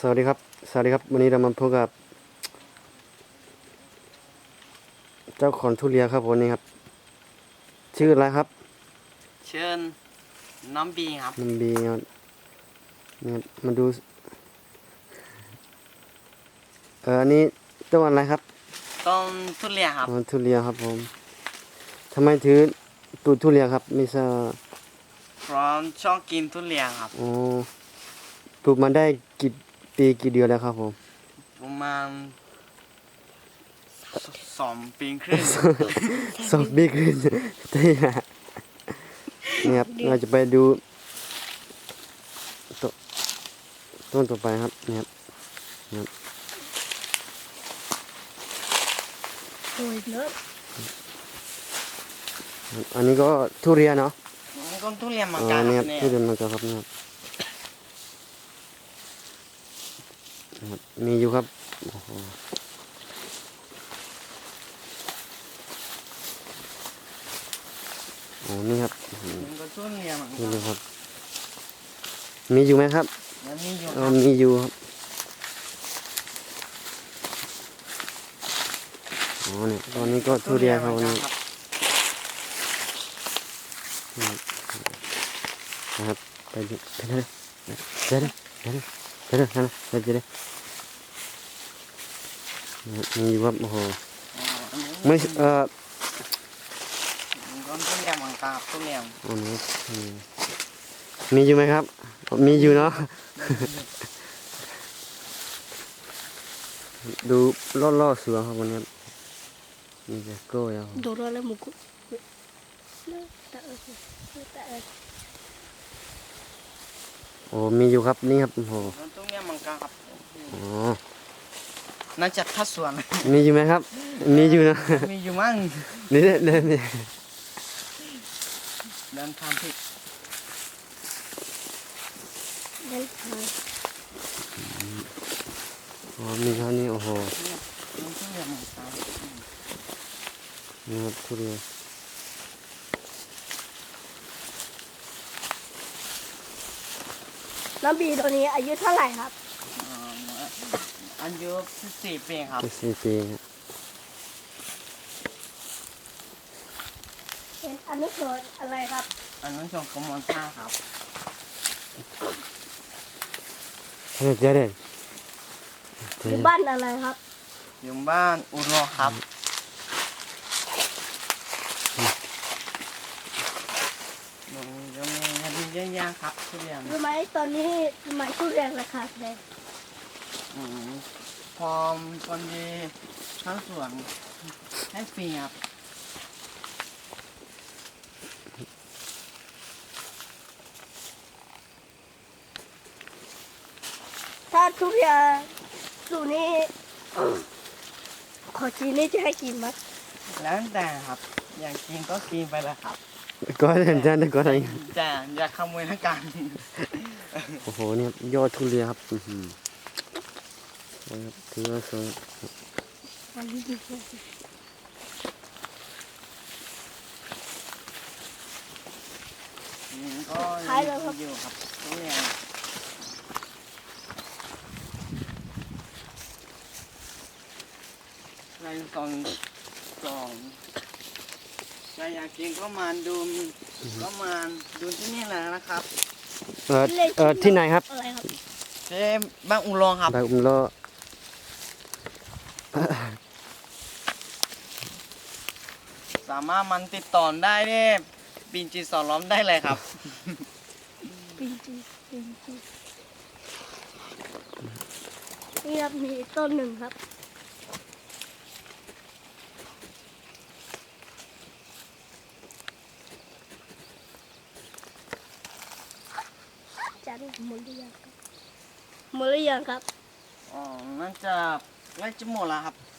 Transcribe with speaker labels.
Speaker 1: สวัสดีครับวันนี้เรามาพบกับเจ้าของทุเรียนครับวันนี้ครับชื่ออะไรครับ
Speaker 2: เชิญน้องบีครับ
Speaker 1: น้ำบีครับเนี่ยมาดูอันนี้ต้นอะไรครับ
Speaker 2: ต้นทุเรียนครับ
Speaker 1: ทุเรียนครับผมทำไมถือปลูกทุเรียนครับไม่ทราบ
Speaker 2: เพราะชอบกินทุเรียนครับ
Speaker 1: อ๋อปลูกมาได้กี่ปีกี่เดือนแล้วครับผม
Speaker 2: ประมาณ2 ปีครึ่ง
Speaker 1: 2 ปีครึ่งได้ละนี่ครับเราจะไปดูต้นต่อไปครับนี่ครับ
Speaker 3: โอ้ยเนอะ
Speaker 1: อันนี้ก็ทุเรียนเนาะ
Speaker 2: ต้นทุเรียนมา
Speaker 1: อ๋อ
Speaker 2: กา
Speaker 1: นี่
Speaker 2: ค
Speaker 1: ค
Speaker 2: รั
Speaker 1: รั
Speaker 2: บบ เนี่ย
Speaker 1: ทุเรียนมาจากครับนี่ครับมีอยู่ครับโอ้โหโอ้นี่ครับ
Speaker 2: มันก็ทุเรียนเหมือน
Speaker 1: นี่
Speaker 2: กัน
Speaker 1: เลยครับมีอยู่ไหมครับ
Speaker 2: แล้วมีอยู่
Speaker 1: มีอยู่ครับอ๋อเนี่ยตอนนี้ก็ทุเรียนครับวันนี้นะครับไปเลยเดี๋ยวมีอยู่ครับโอ้โหไม่
Speaker 2: ต้นทุเรียนเหมือนกันครับทุเรียน
Speaker 1: อันนี้มีอยู่ไหมครับมีอยู่เนาะดูล่อๆสวยครับวันนี้มีแต่กล้วยครับ
Speaker 3: Dorale muku. Tak
Speaker 1: โอ้มีอยู่ครับนี่ครับโอ้โห
Speaker 2: ต้นทุเรียนเหมือนกันครับ
Speaker 1: อ๋อ
Speaker 2: น่าจะทัดสวน
Speaker 1: มีอยู่ไหมครับ มีอยู่นะ
Speaker 2: มีอยู่มั้ง
Speaker 1: นี่เนี่ยนี่
Speaker 2: เดินทางผิด
Speaker 1: อ๋อมีเท่านี้โอ้โห
Speaker 2: ต้นทุเรียนเหมือนกัน
Speaker 1: นี่ครับทุเรียน
Speaker 3: น้ำบีตัวนี้อายุเท่าไหร่ครับ
Speaker 2: อายุ14 ปีครับ
Speaker 1: 4 ปีครับ
Speaker 3: เป็นอันนี้เกิดอะไรครับ
Speaker 2: อันนั้นชมกมลท่าครับ
Speaker 1: เดี๋ยว
Speaker 3: อยู่บ้านอะไรครับ
Speaker 2: อยู่บ้านอุดรครับจะมีคดีเยอะแยะครับทุเรียน
Speaker 3: รู้ไหมตอนนี้ทำไมทุเรียนราคาแพง
Speaker 2: พอคนดีทั้งสวนให้ฟรีครับ
Speaker 3: ถ้าทุเรียนสูนี้ ขอชีนี่จะให้กินไหม
Speaker 2: แล้วแต่ครับ อยากกินก็กินไปเลยครับ
Speaker 1: ก็เห็นจะก็อะไร
Speaker 2: แต่อย่าขโมยทั้งกัน
Speaker 1: โอ้โหเนี่ยยอดทุเรียนครับสวยครับถือว่าสวย
Speaker 3: อันนี้ดีกว่า
Speaker 2: ก็อยู่ครับทุเรียนในสองใครอยากกินก็มาดูที่นี่แหละนะครับ
Speaker 1: ที่ไหนครับ
Speaker 3: อะไรครับ
Speaker 2: ที่บ้านอุรองครับ
Speaker 1: ใบอุ้มล้อ
Speaker 2: สามารถมันติดต่อได้ที่ปินจีสอนล้อมได้เลยครับ
Speaker 3: ปินจีนี่ครับมีต้นหนึ่งครับจันหมดหรือยังครับหมดหรือยังครับ
Speaker 2: อ๋อน่าจะใกล้จะหมดแล้วครับ